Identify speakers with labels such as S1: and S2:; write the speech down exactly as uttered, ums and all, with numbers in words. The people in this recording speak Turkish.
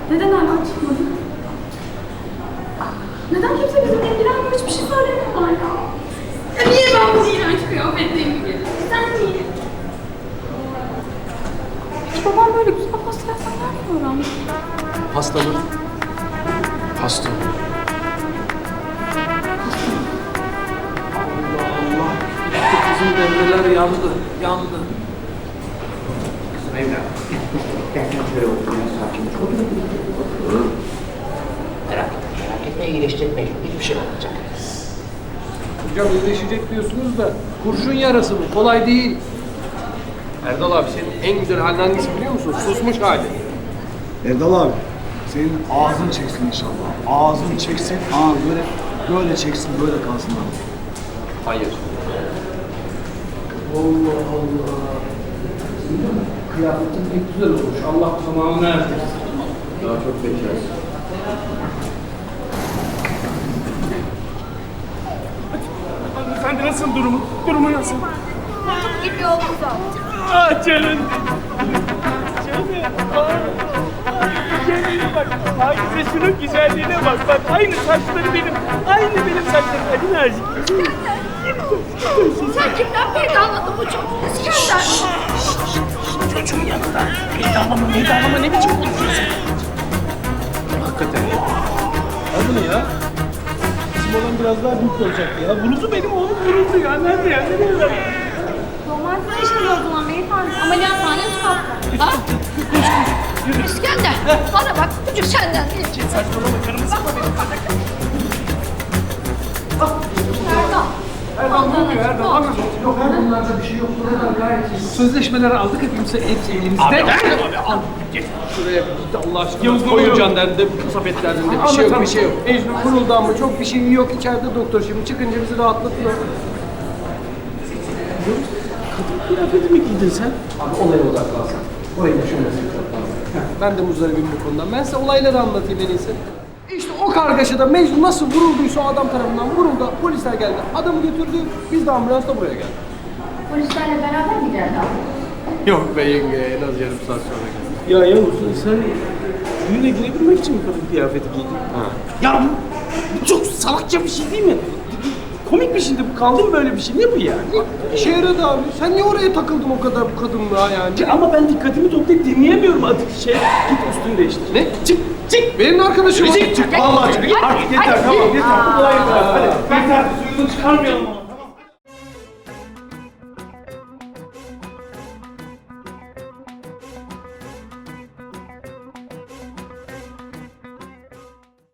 S1: Neden hala çıkmadı? Neden kimse bizimle ilgilenmiyor? Hiçbir şey söylemiyorlar ya. Ya niye ben bu iğrenç kıyafetliyim gibi? Sen niye? Peki babam böyle güzel pasta yapsan nereden öğrendi?
S2: Pasta mı? Pasta. Allah Allah. Gitti kızım, devreler yandı, yandı.
S3: Kızım evladım. Derken şöyle otur ya, sakin ol. Merak etme, merak etme, iyileşecek mecbur. Hiçbir şey olmayacak.
S2: Hocam iyileşecek diyorsunuz da kurşun yarası bu, kolay değil. Erdal abi, senin en güzel halin hangisi biliyor musun? Susmuş hali.
S4: Erdal abi, senin ağzın çeksin inşallah. Ağzın çeksin, aa böyle böyle çeksin, böyle kalsın abi.
S2: Hayır. Allah Allah. Kıyafetin pek güzel olmuş. Allah tamamını erdirsin. Daha çok bekarsın.
S5: Hanımefendi nasıl durumu? Durumu nasıl?
S1: Kurtup gibi oldu zaten.
S5: Ah canım. Canım. Ah. Kendine bak. Hakize şunun güzelliğine bak. Bak aynı saçları benim. Aynı benim saçlarım. Hadi nazik.
S1: Sen kimden peydahladın bu çocuğu? İskender.
S5: Çocuğun yanında. Peydallama meydallama ne biçim konuşuyorsun?
S2: Hakikaten ya.
S5: Al bunu ya. Bizim olan biraz daha büyük olacak ya. Vuruldu benim oğlum vuruldu ya. Nerede ya? Nereye ver?
S1: Normal sana işiniz o zaman beyefendi. Ameliyathane üst katta. Ha? İskender. Bana bak çocuk senden değil.
S5: Saçmalama canımı sıkma benim.
S1: Erdal.
S2: Erdal ne oluyor Erdal? Anlat.
S4: Yok her bunlarda bir şey yok. Buradan gayet iyi.
S2: Sözleşmeleri aldık hepimiz hepsi elimizde.
S5: Abi, abi, al. Geç.
S2: Şuraya bir git Allah aşkına.
S5: Yavuz, ne
S2: Koyun
S5: oluyor?
S2: can derdi, kasap derdi. Bir şey yok, bir şey yok. Mecnun kuruldu ama çok bir şey yok. İçeride doktor şimdi çıkınca bizi rahatlatıyor.
S5: Kıyafeti mi giydin sen?
S2: Abi olaya odaklansan. Orayı düşünmesin çok fazla. Ben de muzdaribim bu konudan. Ben size olayları anlatayım en iyisi. İşte o kargaşada Mecnun nasıl vurulduysa o adam tarafından vuruldu. Polisler geldi. Adamı götürdü. Biz de ambulansla buraya geldik.
S1: Polislerle beraber mi geldi abi?
S2: Yok be yenge. En az yarım saat sonra geldik.
S5: Ya Yavuz sen düğüne girebilmek için mi kadın kıyafeti giydin?
S2: Ha.
S5: Ya bu, bu çok salakça bir şey değil mi? Komik bir şeydi bu. Kaldı mı böyle bir şey? Ne bu yani?
S2: İşe yaradı abi. Sen niye oraya takıldın o kadar bu kadınlığa yani?
S5: Ya ama ben dikkatimi toplayıp dinleyemiyorum artık şey. Git üstünü değiştir.
S2: Ne?
S5: Çık, çık.
S2: Benim arkadaşım.
S5: Çık, çık. Vallahi çık. Artık yeter, tamam yeter. Bu kolay yeter. Hadi. Yeter. Suyunu çıkarmayalım.